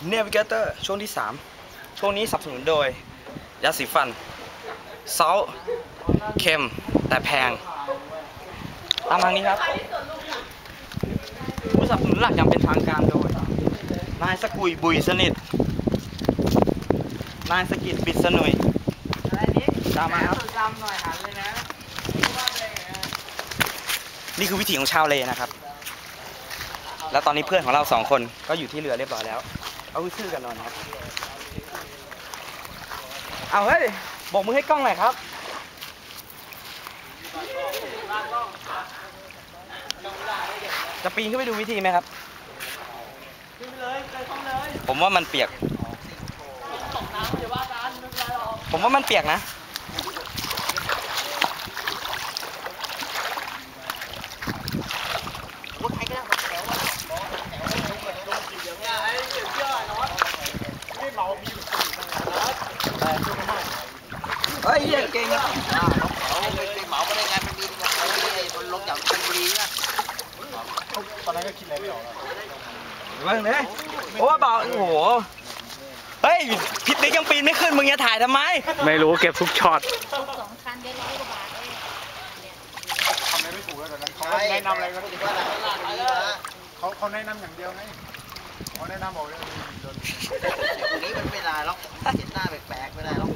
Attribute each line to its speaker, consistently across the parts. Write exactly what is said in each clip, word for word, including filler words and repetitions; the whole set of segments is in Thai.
Speaker 1: Navigator ช่วงที่สามช่วงนี้สนับสนุนโดยยาสีฟันซอลเค็มแต่แพงตามทางนี้ครับผู้สนับสนุนหลักอย่างเป็นทางการโดยนายสกุยบุยสนิทนายสกิดปิดสนุยตามมาครับนี่คือวิถีของชาวเลนะครับแล้วตอนนี้เพื่อนของเราสองคนก็อยู่ที่เรือเรียบร้อยแล้วเอาชื่อกันนอนครับเอาเฮ้ยบอกมือให้กล้องหน่อยครับจะปีนขึ้นไปดูวิธีไหมครับผมว่ามันเปียกผมว่ามันเปียกนะเฮ้ยเก่งอ่ะ
Speaker 2: เขาไปเหมาไปได้ไงมันมีมันลงจากชลบุรีนะตอนนั้นก็คิดอะไรไม่ออก
Speaker 1: เรื่องนี้โอ้บอกโอ้โหเฮ้ยพิติ๊กยังปีนไม่ขึ้นมึงจะถ่ายทำไมไม่รู้เก็บทุกช็อต
Speaker 3: สองคันได้ร้อยกว่าบาทเลย
Speaker 2: ทำอะไรไม่ถูกแล้วตอนนั้นเขาแนะนำอะไรก็ถือว่าเขาเขาแนะนำอย่างเดียวไงเขาแนะนำบอกเลยตรงนี้มันไม่ได้หรอกเห็นหน้าแปลกๆไม่ได้หรอก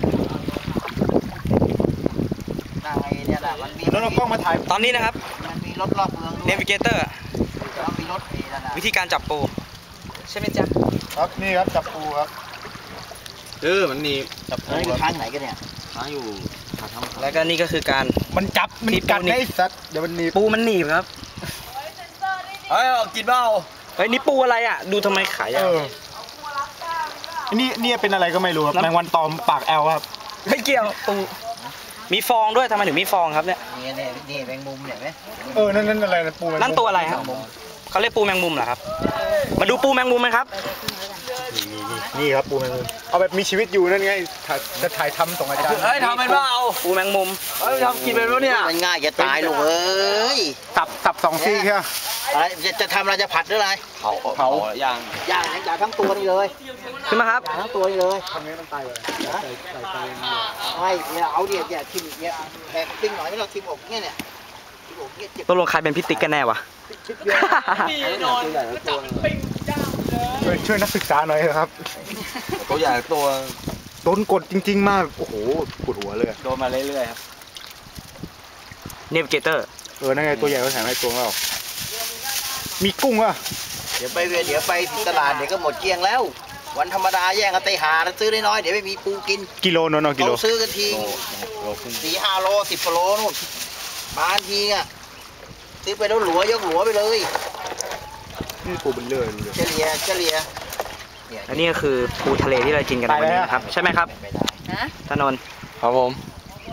Speaker 2: นายเนี่ยแหละมันมีแล้วเรากล้องมาถ่าย
Speaker 1: ตอนนี้นะครับ
Speaker 2: มันมีรถรอบเมือง
Speaker 1: Navigator
Speaker 2: มีรถ
Speaker 1: วิธีการจับปูใช่ไหมจ๊ะ
Speaker 2: ครับนี่ครับจับปูครับ
Speaker 4: เออมันหนีบ
Speaker 2: จับปูอยู่ทางไหนกันเนี่ย
Speaker 4: ทางอยู่
Speaker 1: แล้วก็นี่ก็คือการ
Speaker 2: มันจับมันกัดไอ้สัตว์เดี๋ยวมันหนีบ
Speaker 1: ปูมันหนีบครับ
Speaker 4: เฮ้ยกินเปล่า
Speaker 1: เฮ้ยนี่ปูอะไรอ่ะดูทำไมขายอ่ะ
Speaker 2: นี่นี่เป็นอะไรก็ไม่รู้ครับแมงวันตอมปากแอลครับ
Speaker 1: ไม่เกี่ยวปูมีฟองด้วยทำไมถึงมีฟองครับเนี่ย
Speaker 2: นี่นี่นี่แมงมุมเนี่ยไหมเออนั่นนั่นอะไรนะปู
Speaker 1: นั่นตัวอะไรครับเขาเรียกปูแมงมุมเหรอครับมาดูปูแมงมุมไหมครับ
Speaker 2: นี่ครับปูแมงมุมเอาแบบมีชีวิตอยู่นั่นไงจะถ่ายทำส่งอาจารย์
Speaker 4: เฮ้ยทำเป็นเปล่า
Speaker 1: ปูแมงมุม
Speaker 4: เฮ้ยทำกินเป็นปะเนี่ย
Speaker 2: มันง่ายจะตายลูกเอ้ยสับสับสองซี่แค่อะไรจะจะทำอะไรจะผัดหรืออะไร
Speaker 4: เผาเผาย่าง
Speaker 2: ย่างย่างทั้งตัวนี่เลย
Speaker 1: ขึ้นมาครับ
Speaker 2: ทั้งตัวนี่เลยทำไงต้องตายเลยนะไม่เนี่ยเอาเดี๋ยวเนี่ยทิมเนี่ยแบกปิ้งหน่อยไม่เราทิมอกเนี่ยเนี่ยทิมอกเนี่ย
Speaker 1: ตกลงใครเป็นพิติ๊กกันแน่วะ
Speaker 4: นี่นอนจับปิ้งย่าง
Speaker 2: เลยช่วยนักศึกษาหน่อยครับ
Speaker 4: ตัวใหญ่ตัว
Speaker 2: โดนกดจริงๆมากโอ้โหปวดหัวเลย
Speaker 1: โดนมาเรื่อยๆครับ Navigator
Speaker 2: เออนั่นไงตัวใหญ่ก็แถมให้ตัวเรามีกุ้งอ่ะเดี๋ยวไปเดี๋ยวไปตลาดเดี๋ยวก็หมดเกลี้ยงแล้ววันธรรมดาแย่งกันไปหาซื้อได้น้อยเดี๋ยวไม่มีปูกินกิโลนนกิโลซื้อกันทีสี่ห้าโลสิบโลนู่นบางทีอ่ะซื้อไปแล้วหลัวยกหลัวไปเลยนี่ปูเป็นเลื่อยเฉลี่ยเฉลี่ย
Speaker 1: อันนี้ก็คือปูทะเลที่เรากินกันวันนี้ครับใช่ไหมครับถนน
Speaker 4: ครับผม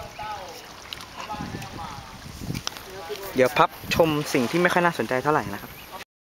Speaker 1: เดี๋ยวพับชมสิ่งที่ไม่ค่อยน่าสนใจเท่าไหร่นะครับ